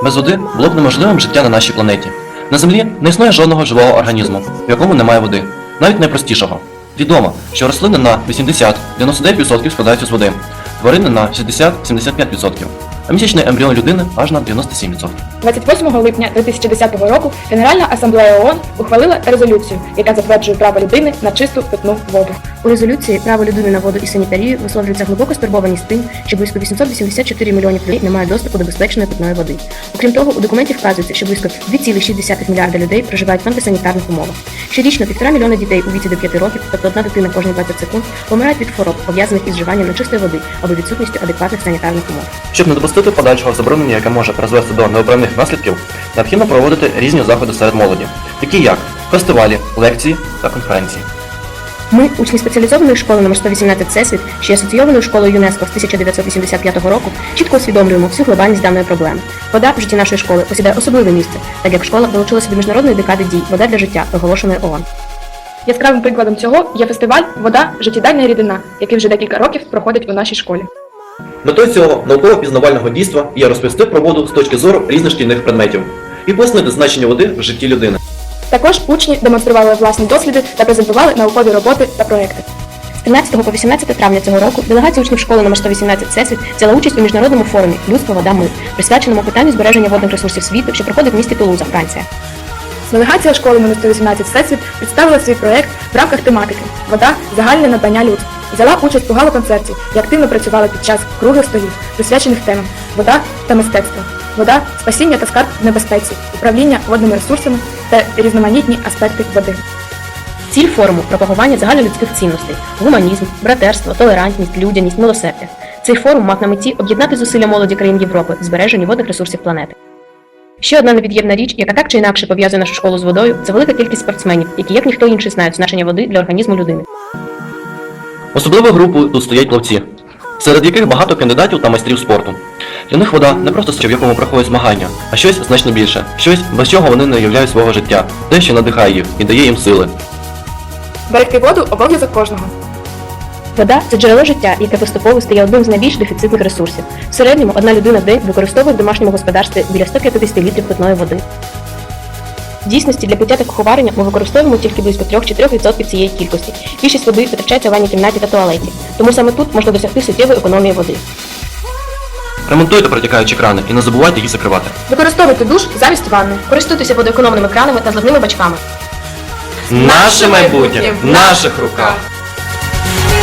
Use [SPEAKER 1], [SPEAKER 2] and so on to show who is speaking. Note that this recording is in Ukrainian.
[SPEAKER 1] Без води було б неможливим життя на нашій планеті. На Землі не існує жодного живого організму, в якому немає води, навіть найпростішого. Відомо, що рослини на 80-99% складаються з води, тварини на 60-75%, а місячний ембріон людини аж на 97%.
[SPEAKER 2] 28 липня 2010 року Генеральна асамблея ООН ухвалила резолюцію, яка затверджує право людини на чисту питну воду.
[SPEAKER 3] У резолюції право людини на воду і санітарію висловлюється глибока стурбованість тим, що близько 884 мільйонів людей не мають доступу до безпечної питної води. Окрім того, у документі вказується, що близько 2,6 мільярда людей проживають в антисанітарних умовах. Щорічно 1,5 мільйона дітей у віці до 5 років, тобто одна дитина кожні 20 секунд, помирають від хвороб, пов'язаних із вживанням нечистої води або відсутністю адекватних санітарних умов.
[SPEAKER 1] Щоб не допустити подальшого забруднення, яке може призвести до неуправних наслідків, необхідно проводити різні заходи серед молоді, такі як фестивалі, лекції та конференції.
[SPEAKER 3] Ми, учні спеціалізованої школи номер 118 Всесвіт, що є асоційованою школою ЮНЕСКО з 1985 року, чітко усвідомлюємо всю глобальність даної проблеми. Вода в житті нашої школи посідає особливе місце, так як школа долучилася до міжнародної декади дій «Вода для життя», оголошеної ООН.
[SPEAKER 2] Яскравим прикладом цього є фестиваль «Вода – життєдайна рідина», який вже декілька років проходить у нашій школі.
[SPEAKER 1] Метою цього науково-пізнавального дійства є розповісти про воду з точки зору різних шкільних предметів і пояснити значення води в житті людини.
[SPEAKER 2] Також учні демонстрували власні досліди та презентували наукові роботи та проекти.
[SPEAKER 3] З 13 по 18 травня цього року делегація учнів школи номер 118 Всесвіт взяла участь у міжнародному форумі «Людство, вода, ми», присвяченому питанню збереження водних ресурсів світу, що проходить в місті Тулуза, Франція.
[SPEAKER 2] Делегація школи номер 118 Всесвіт представила свій проект в рамках тематики «Вода – загальне надбання людства». Взяла участь у гала-концерті і активно працювала під час круглих столів, присвячених темам «Вода та мистецтво», «Вода – спасіння та скарб в небезпеці», «Управління водними ресурсами» та різноманітні аспекти води.
[SPEAKER 3] Ціль форуму – пропагування загальнолюдських цінностей – гуманізм, братерство, толерантність, людяність, милосердя. Цей форум мав на меті об'єднати зусилля молоді країн Європи в збереженні водних ресурсів планети. Ще одна невід'ємна річ, яка так чи інакше пов'язує нашу школу з водою, це велика кількість спортсменів, які як ніхто інший знають значення води для організму людини.
[SPEAKER 1] Особливою групою тут стоять плавці, серед яких багато кандидатів та майстрів спорту. Для них вода не просто в якому проходять змагання, а щось значно більше, щось, без чого вони не уявляють свого життя, те, що надихає їх і дає їм сили.
[SPEAKER 2] Берегти воду – обов'язок кожного.
[SPEAKER 3] Вода – це джерело життя, яке поступово стає одним з найбільш дефіцитних ресурсів. В середньому одна людина в день використовує в домашньому господарстві біля 150 літрів питної води. В дійсності для пиття та куховарення ми використовуємо тільки близько 3-4% цієї кількості. Більшість води витрачається в ванній кімнаті та туалеті, тому саме тут можна досягти суттєвої економії води.
[SPEAKER 1] Ремонтуйте протікаючі крани і не забувайте їх закривати.
[SPEAKER 2] Використовуйте душ замість ванни.
[SPEAKER 3] Користуйтеся водоекономними кранами та зливними бачками.
[SPEAKER 1] Наше майбутнє в наших руках!